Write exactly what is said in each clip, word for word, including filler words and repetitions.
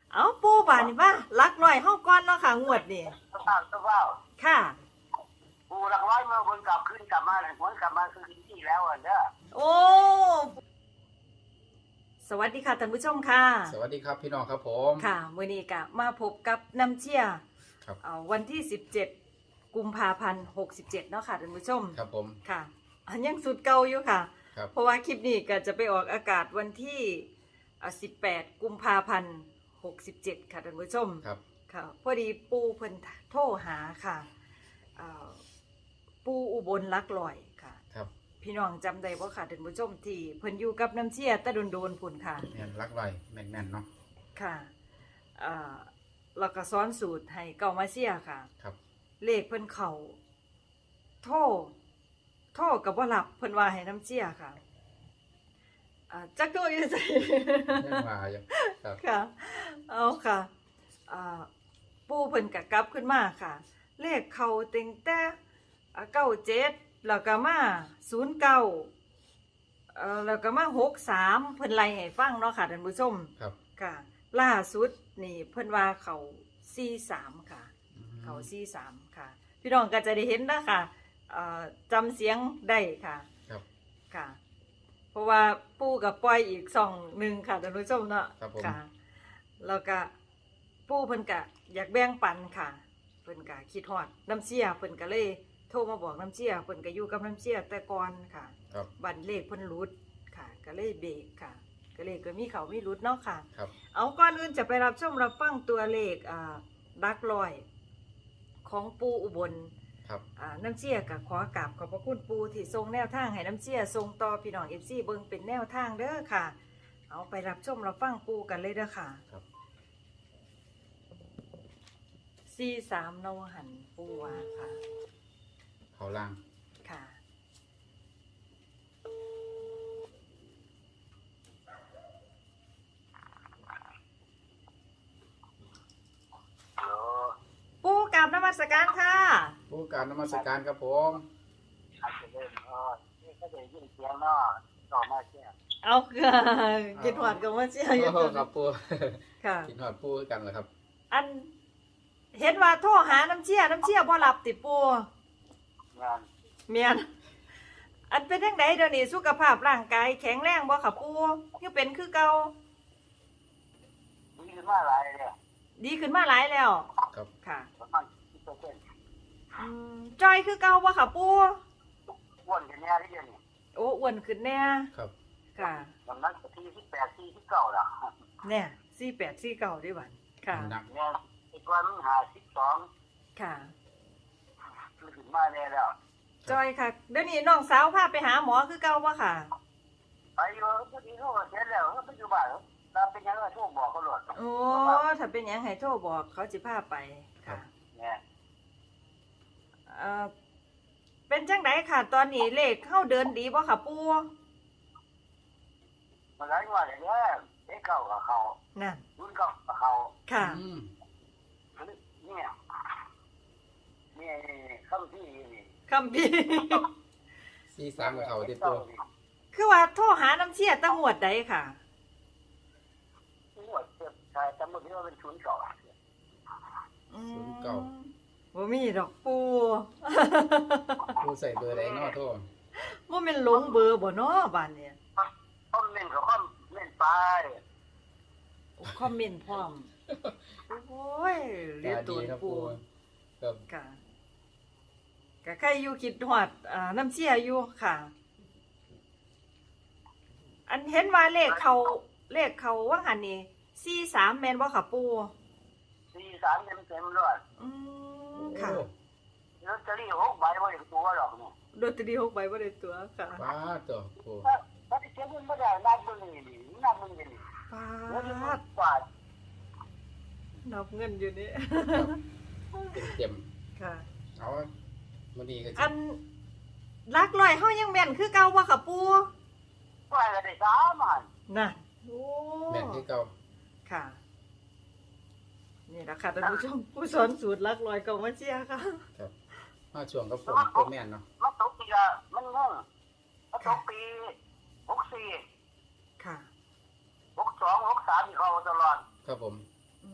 เอาปูบานนี่ว่าลักลอยเฮาก่อนเนาะค่ะงวดนี่สภาพสภาพค่ะปูหลักร้อยเมื่อวนกลับขึ้นกลับมาเลยวนกลับมาคือที่แล้วอ่ะเด้อโอ้สวัสดีค่ะท่านผู้ชมค่ะสวัสดีครับพี่น้องครับผมค่ะมื้อนี้ก็มาพบกับน้ำเชี่ยครับเอาวันที่สิบเจ็ดกุมภาพันธ์หกสิบเจ็ดเนาะค่ะท่านผู้ชมครับผมค่ะอันยังสุดเก่าอยู่ค่ะครับเพราะว่าคลิปนี้ก็จะไปออกอากาศวันที่สิบแปดกุมภาพันธ์หกสิบเจ็ดค่ะท่านผู้ชมครับค่ะพอดีปูเพิ่นโทรหาค่ะปูอุบลลักลอยค่ะครับพี่น้องจำได้บ่ค่ะท่านผู้ชมที่เพิ่นอยู่กับน้ำเชี่ยตะโดนๆพุ่นค่ะแม่นรักลอยแม่นแม่นเนาะค่ะอ่าแล้วก็สอนสูตรให้เก่ามาเชี่ยค่ะครับเลขเพิ่นเข้าโทรโทรก็บ่รับเพิ่นว่าให้น้ำเชี่ยค่ะอ่าจักโตอยู่ไสเรื่องมาอยู่ครับค่ะเอาค่ะอ่าปูเพิ่นก็กลับขึ้นมาค่ะเลขเข้าเต็งแต่เก้าเจ็ดแล้วก็มาศูนย์เก้าเอ่อแล้วก็มาหกสามเพิ่นไล่ให้ฟังเนาะค่ะท่านผู้ชมครับค่ะล่าสุดนี่เพิ่นว่าเขาสี่สามค่ะเขาสี่สามค่ะพี่น้องก็จะได้เห็นนะค่ะเอ่อจำเสียงได้ค่ะครับค่ะเพราะว่าปู่กับปล่อยอีกสองหนึ่งค่ะท่านผู้ชมเนาะค่ะแล้วก็ปู่เพิ่นก็อยากแบ่งปันค่ะเพิ่นก็คิดฮอดน้ำเชี่ยเพิ่นก็เลยโทรมาบอกน้ำเชี่ยเพิ่นก็อยู่กับน้ำเชี่ยแต่ก่อนค่ะครับบันเลขเพิ่นรุดค่ะก็เลยเบรกค่ะก็เลยก็มีเขามีรุดเนาะค่ะครับเอาก่อนอื่นจะไปรับชมรับฟังตัวเลขอ่าดักลอยของปู่อุบลครับอ่าน้ำเชี่ยก็ขอกราบขอบพระคุณปู่ที่ทรงแนวทางให้น้ำเชี่ยทรงต่อพี่น้อง เอฟ ซี เบิ่งเป็นแนวทางเด้อค่ะเอาไปรับชมรับฟังปู่กันเลยเด้อค่ะครับสี่สามนวหันปู่ว่าค่ะเขาล่างค่ะปู่กราบนมัสการค่ะผู้การนมัสการครับผมอาจจะเล่นอ๋อนี่ก็จะยินเสียงเนาะต่อมาเชี่ยเอาค่ะกินหอดกับว่าเชี่ยอยู่โอ้ครับปูค่ะกินหอดปูกันเหรอครับอันเห็นว่าโทรหาน้ำเชี่ยน้ำเชี่ยบ่หลับติปู่งานเมียนอันเป็นจังไดเดี๋ยวนี้สุขภาพร่างกายแข็งแรงบ่ค่ะปู่ยังเป็นคือเก่าดีขึ้นมาหลายเลยดีขึ้นมาหลายแล้วครับค่ะประมาณสิบเปอร์เซ็นต์อืมจอยคือเก่าบ่ค่ะปู่อ้วนกันแน่ที่เดียวนี่โอ้อ้วนขึ้นแน่ครับค่ะน้ำหนักที่สิบแปดที่สิบเก้าละเนี่ยสี่แปดสี่เก้าด้วยบัดค่ะหนักเนี่ยอีกวันหาสิบสองค่ะขึ้นมาแน่แล้วจอยค่ะเดี๋ยวนี้น้องสาวพาไปหาหมอคือเก่าบ่ค่ะไปอยู่พอดีเขาเสร็จแล้วเขาไปอยู่บ้านแล้วเป็นยังไงโทรบอกเขาหลดโอ้ถ้าเป็นหยังให้โทรบอกเขาสิพาไปค่ะเนี่ยเอ่อเป็นจังไดค่ะตอนนี้เลขเข้าเดินดีบ่ค่ะปู่มันหลายวันอย่างเงี้ยเด็กเก่ากับเขานั่นรุ่นเก่ากับเขาค่ะเนี่ยนี่คำที่นี่คำพี่สี่สามกับเขาติดตัวคือว่าโทรหาน้ำเชี่ยตั้งหวดใดค่ะหวดเจ็บชายจำไม่ได้ว่าเป็นชุนเก่าศูนย์เก่าบ่มีดอกปูปูใส่เบอร์ใดเนาะโทษบ่แม่นหลงเบอร์บ่เนาะบ้านเนี่ยคอมเมนต์กับคอมเมนต์ไปคอมเมนต์พร้อมโอ้ยเรียกตัวปูครับค่ะก็ใครอยู่คิดฮอดอ่าน้ำเชี่ยอยู่ค่ะอันเห็นว่าเลขเขาเลขเขาว่าหันนี่สี่สามแม่นบ่ค่ะปูสี่สามเต็มเต็มเลยอืมค่ะลอตเตอรี่หกใบว่าอย่างตัวหรอกเนี่ยลอตเตอรี่หกใบว่าได้ตัวค่ะป้าตัวปูถ้าที่เก็บเงินไม่ได้นับเงินนี่นับเงินนี่ป้ากว่านับเงินอยู่นี่เต็มเต็มค่ะเอาวันนี้ก็อันลักลอยเฮายังแม่นคือเก่าบ่ค่ะปู่ว่าก็ได้สามอันน่ะโอ้แม่นคือเก่าค่ะนี่ล่ะค่ะท่านผู้ชมผู้สอนสูตรลักลอยเก่ามาเชียร์ค่ะครับมาช่วงกับผมก็แม่นเนาะมันตกปีละมันงงมันตกปีหกสี่ค่ะหกสองหกสามเขาตลอดอ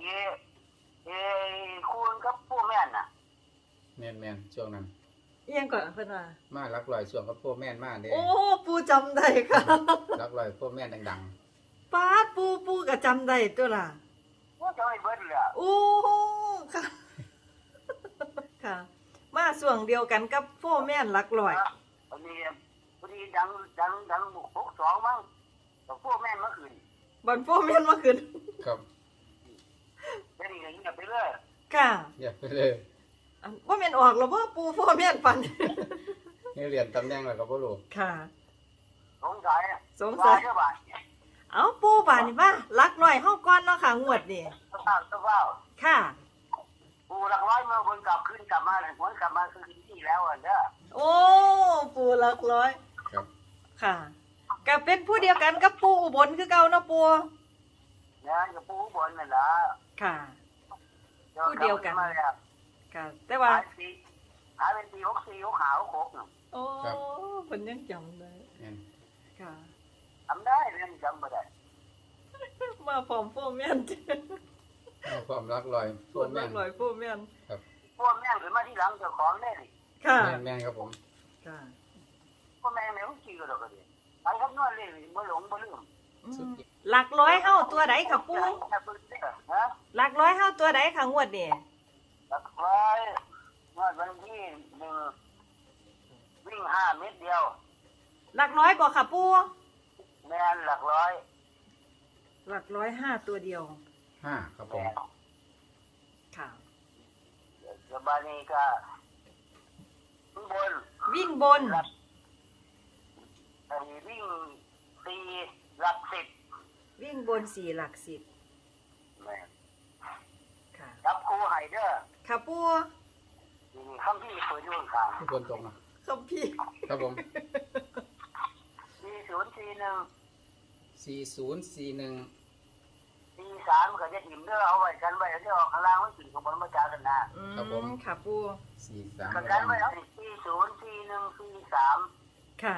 เอเอคุณกับผู้แม่นน่ะแม่นแม่นช่วงนั้นเอียงก่อนเพิ่นว่ามารักลอยช่วงกับพวกแม่นมาเด้โอ้ปูจำได้ค่ะรักลอยพวกแม่นดังป้าดปูปูก็จำได้ตัวล่ะว่าจะให้เบิดเลยอะโอ้ค่ะ ค่ะ มาส่วงเดียวกันกับโฟร์แม่นหลักร้อยวันนี้วันนี้ดังดังดังหกสองมั้งแต่ผู้แม่นเมื่อคืนบอลโฟร์แม่นมาขึ้นๆครับเดี๋ยวนี้ก็เงียบไปเรื่อยค่ะอย่าไปเลยอันว่าแม่นออกแล้วว่าปูโฟร์แม่นปันนี่เรียนตำแหน่งแล้วก็บ่รู้ค่ะสงสัยสงสัยว่าเจ้าบ้านเอาปูบานนี่มาหลักร้อยเฮาก่อนเนาะค่ะงวดนี่สภาพสภาพค่ะปูหลักร้อยเมื่อคนกลับขึ้นกลับมาเลยคนกลับมาคือที่แล้วอ่ะเด้อโอ้ปูหลักร้อยครับค่ะก็เป็นผู้เดียวกันกับปูอุบลคือเก่าเนาะปูนะกับปูบนนั่นแหละค่ะมาแล้วค่ะ แต่ว่าหายปีหายเป็นปีหกสี่หกห้าหกหกเนาะโอ้เพิ่นยังจำได้แม่นค่ะทำได้เรื่องจำไม่ได้มาพร้อมโฟร์แม่นเอาความรักลอยพปววกดแม่มาน กหน่อยผู้แม่นพวกแม่งหรือมาที่หลังเจ้าของได้ดิค่ะแม่นแม่นครับผมค่ะพวกแม่งเนี่ยเขาขี่กันดอกกันดิไปครับนวดเลยบ่หลงบ่ลืมอืมหลักร้อยเฮาตัวใดค่ะปูฮะหลักร้อยเฮาตัวใดค่ะงวดนี่หลักร้อยนวดวันที่หนึ่งวิ่งห้าเมตรเดียวหลักร้อยบ่ค่ะปูแม่นหลักร้อยหลักร้อยห้าตัวเดียวห้าครับผมแม่นค่ะเดี๋ยวบานี้ก็ข้างบนวิ่งบนหลักไอ้วิ่งตีหลักสิบวิ่งบนสี่หลักสิบแม่นค่ะจับครูไฮเดอร์ค่ะปูนี่คำที่เปิดอยู่ข้างทุกคนตรงนะคำพี่ครับผมสี่ศูนย์สี่หนึ่งสี่ศูนย์สี่หนึ่งสี่สามก็จะถิ่มเด้อเอาไว้กันไว้เดี๋ยวออกข้างล่างไว้ถึงของบนมาจากันนะอืมค่ะปูสี่สามกันกันไว้เอาสี่ศูนย์สี่หนึ่งสี่สามค่ะ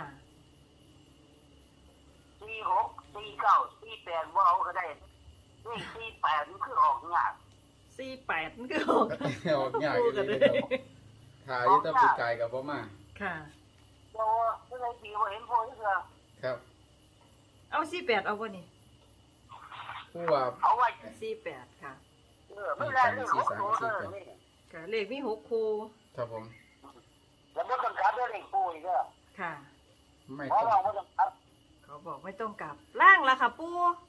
สี่หกสี่เก้าสี่แปดว่าเอาก็ได้นี่สี่แปดมันคือออกยากสี่แปดมันคือออกออกยากอยู่เลยครับถ่ายอยุตปีกายกับพ่อมาค่ะเจ้าเมื่อไรปีว่าเห็นพ่อที่เสือครับเอาสี่แปดเอาบ่นี่ผู้ว่าเอาไว้สี่แปดค่ะเออไม่ได้เรื่องของตัวเออนี่ค่ะเลขมีหกคูครับผมแล้วก็ต้องการเรื่องเด็กปุ้ยเด้อค่ะไม่เพราะต้องเราไม่ต้องการเขาบอกไม่ต้องกลับล่างละค่ะปู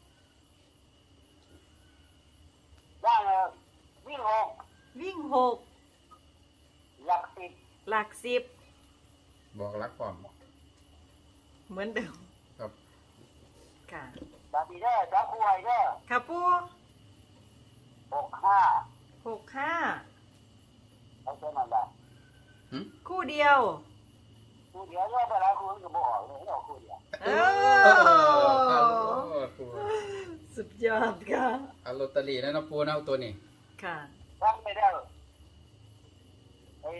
ได้เลยวิ่งหกวิ่งหกหลักสิบหลักสิบบอกรักความเหมือนเดิมครับค่ะจับปีได้จับคู่ไฮเด้อค่ะปูหกห้าหกห้าเอาเท่านั้นแหละหืมคู่เดียวคู่เดียวเนี่ยเวลาคุณก็บอกเลยเอาคู่เดียวเอเอออปูสุดยอดค่ะเอาลอตเตอรี่แล้วนะปูนะเอาตัวนี้ค่ะตั้งไม่ได้ไอ้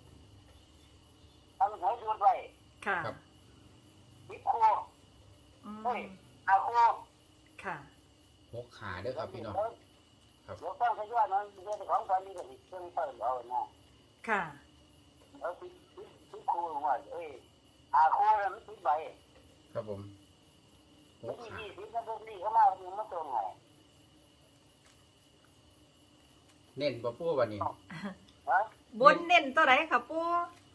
ตั้งหัวชุดไว้ค่ะครับสิบคู่อืมเฮ้ยห้าคู่ค่ะหกขาเด้อครับพี่น้อง ครับเดี๋ยวตั้งขยะนั้นเรื่องของตอนนี้ก็สิเครื่องเปิดเอานะค่ะเอาสิบสิบสิบคู่ว่าเอ้ยห้าคู่แล้วมันสิบใบครับผมหแล้วกที่ขายี่สิบนั่นพวกนี้เขามาเอามาส่งให้เน้นบ่ปูวันนี้ฮะบนเน้นตัวไหนค่ะปู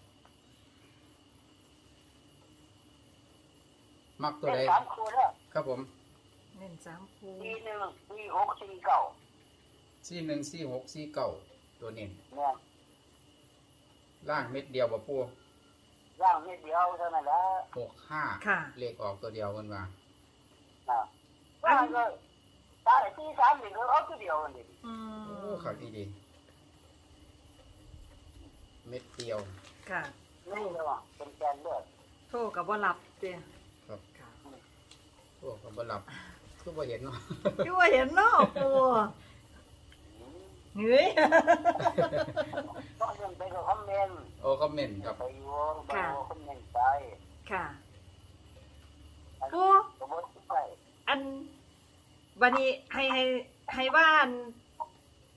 มักตัวเป็นใดสามคู่แล้วครับผมเน้นสามคู่สี่หนึ่งสี่หกสี่เก้าสี่หนึ่งสี่หกสี่เก้าตัวเน้นเนี่ยล่างเม็ดเดียวบ่ปูย่างนิดเดียวเท่านั้นแหละหกห้าค่ะเลขออกตัวเดียวกันว่านะว่าก็ตายที่สามนี่ก็เอาตัวเดียวกันดิอืโอ้มขับดีดีเม็ดเดียวค่ะนี่เลยว่ะเป็นแกนเลือดโทรกับว่าหลับเตี้ยครับค่ะพวกก็บ่หลับคือบ่เห็นเนาะที่ว่าเห็นเนาะปูเหนื่อยต้องยังไปกับคอมเมนต์โอ้คอมเมนต์ครับไปอยู่ไปอยู่คอมเมนต์ไปค่ะอันปูสมมติไปอันบันนี้ให้ให้ให้ว่าอัน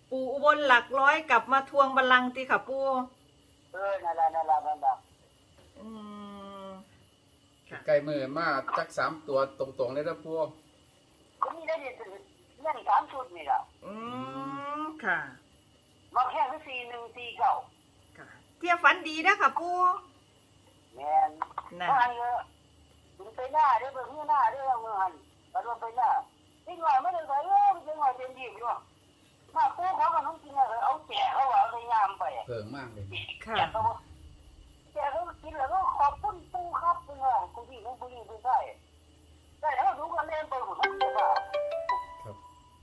ปู่อุบลหลักร้อยกลับมาทวงบัลลังก์ติค่ะปู่เออนั่นละนั่นละนั่นละอืมค่ะใกล้มือมาจักสามตัวตรงๆเลยนะปูก็มีได้เด็ดเล่นสามชุดนี่ละอืมค่ะมาแค่ที่สี่หนึ่งสี่เก้าค่ะเที่ยวฝันดีนะค่ะปู่แมนนะเพราะอันเยอะถึงไปหน้าเด้อเบิ่งที่หน้าเด้อเมื่อหันกระโดดไปหน้าที่หน่อยไม่ได้ใส่เออเป็นหน่อยเป็นดีอยู่มาปูเขากับน้องกินอะไรเอาแจกเขาว่าเอาไปยามไปเพิ่งมากเลยค่ะแจกเขาแจกเขากินแล้วก็ขอบคุณปูครับเป็นว่าคุณพี่คุณผู้หญิงคุณใช่ได้แล้วดูกันเล่นไปหมดทุกอย่างครับ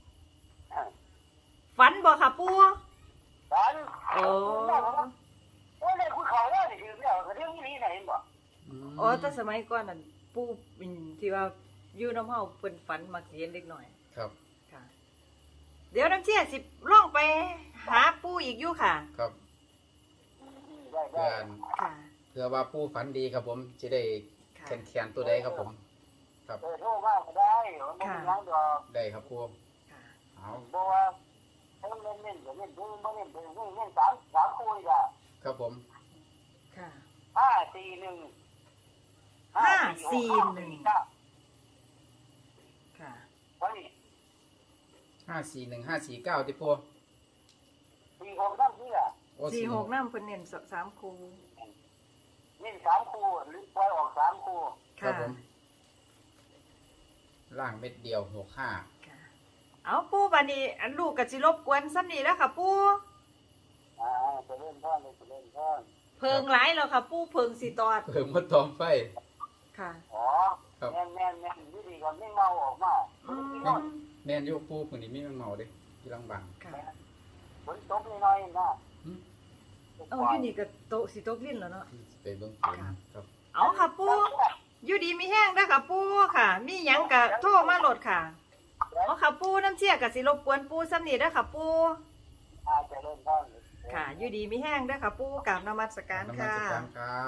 ฝันบ่ค่ะปู่ฝันโอ้โอ้เลยคุณเขาได้ถือแล้วเรื่องนี้ไหนบ่มโอ้แต่สมัยก่อนนั่นปู่เป็นที่ว่าอยู่น้ำเฮาเพิ่นฝันมักสิเห็นเล็กน้อยครับค่ะ เดี๋ยวน้ำเชี่ยสิล่องไปหาปู่อีกอยู่ค่ะครับได้ได้เพื่อนค่ะเพื่อว่าปูฝันดีครับผมจะได้ค่ะแขนแขนตัวใดครับผม ครับเออโทรมาก็ได้มันไม่เป็นไรดอกได้ครับปูค่ะเอาบอกว่าให้เล่นเล่นเล่นเล่นเล่นเล่นเล่นเล่นสามสามคู่อ่ะครับผมค่ะห้าสี่หนึ่งห้าสี่หนึ่งเก้าค่ะวันนี้ห้าสี่หนึ่งห้าสี่เก้าที่ปูสี่หกนั่นนี่อ่ะโอ้สี่หกน้ำเพิ่นเน้นสสามคูเล่นสามคู่หรือปล่อยออกสามคู่ครับค่ะผมล่างเม็ดเดียวหกห้าค่ะ เอาปู่บัดนี้อันลูกก็สิรบกวนซ้ำนี้แล้วค่ะปู่อ่าจะเล่นท่อนจะเล่นท่อนเพิงหลายแล้วค่ะปู่เพิงสิตอดเพิ่มมาตอมไฟค่ะอ๋อครับแน่นแน่นแน่นวิธีก่อนไม่เมาออกมาอืมที่นอนแม่นอยูปูคนนี้มีมันเมาเด้ที่ลังบังค่ะฝนตกน้อยๆนะหึเอาอยู่นี่ก็โตะสิตกลิ้นแล้วเนาะไปเบิ่งฝนครับเอาค่ะปู่อยู่ดีมีแห้งเด้อค่ะปู่ค่ะ มีหยังก็โทรมาโหลดค่ะเอาค่ะปู่น้ำเชี่ยก็สิรบกวนปู่ซ้ำนี้เด้อค่ะปู่อาจจะเล่นท่อนค่ะ อยู่ดีมีแห้งเด้อค่ะปู่กราบนมัสการน้ำมันค่ะสการครับ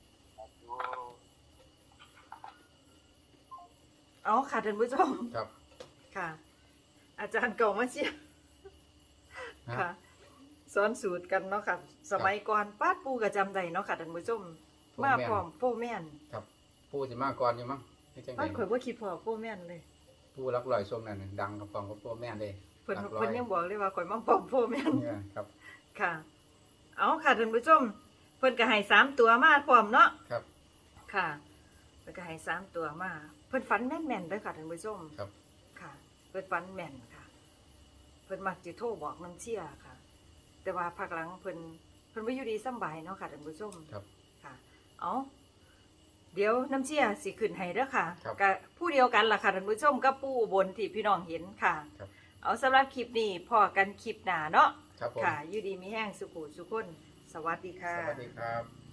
เอาค่ะท่านผู้ชมครับค่ะ อาจารย์เก่ามาเชียร์ฮะค่ะสอนสูตรกันเนาะค่ะ สมัยก่อนป้าดปูก็จำได้เนาะค่ะท่านผู้ชมโฟร์มาแม่นพร้อมโฟร์แมนครับปูสิมาก่อนอยู่มั้งไม่จังไงป้าดข่อยว่าคิดพอโฟร์แมนเลยปูรักลอยช่วงนั้นน่ะดังกับฟองกับปูแม่นเลยเพิ่นหลักร้อเพิ่นยังบอกเลยว่าข่อยมาพร้อมโฟร์แมนเนี่ยครับค่ะ เอาค่ะท่านผู้ชม เพิ่นก็ให้สามตัวมาพร้อมเนาะครับค่ะเพิ่นก็ให้สามตัวมา เพิ่นฝันแม่นๆเด้อค่ะท่านผู้ชมครับค่ะ เพิ่นฝันแม่นค่ะ เพิ่นมักสิโทรบอกน้ำเชี่ยค่ะ แต่ว่าภาคหลังเพิ่นเพิ่นบ่อยู่ดีสำบายเนาะค่ะท่านผู้ชมครับค่ะ เอาเดี๋ยวน้ำเชี่ยสิขึ้นให้เด้อค่ะครับกับผู้เดียวกันล่ะค่ะท่านผู้ชมกับปู่อุบนที่พี่น้องเห็นค่ะครับเอาสำหรับคลิปนี้พอกันคลิปหน้าเนาะครับผมค่ะ อยู่ดีมีแห้งสุขุสุขคน สวัสดีค่ะสวัสดีครับ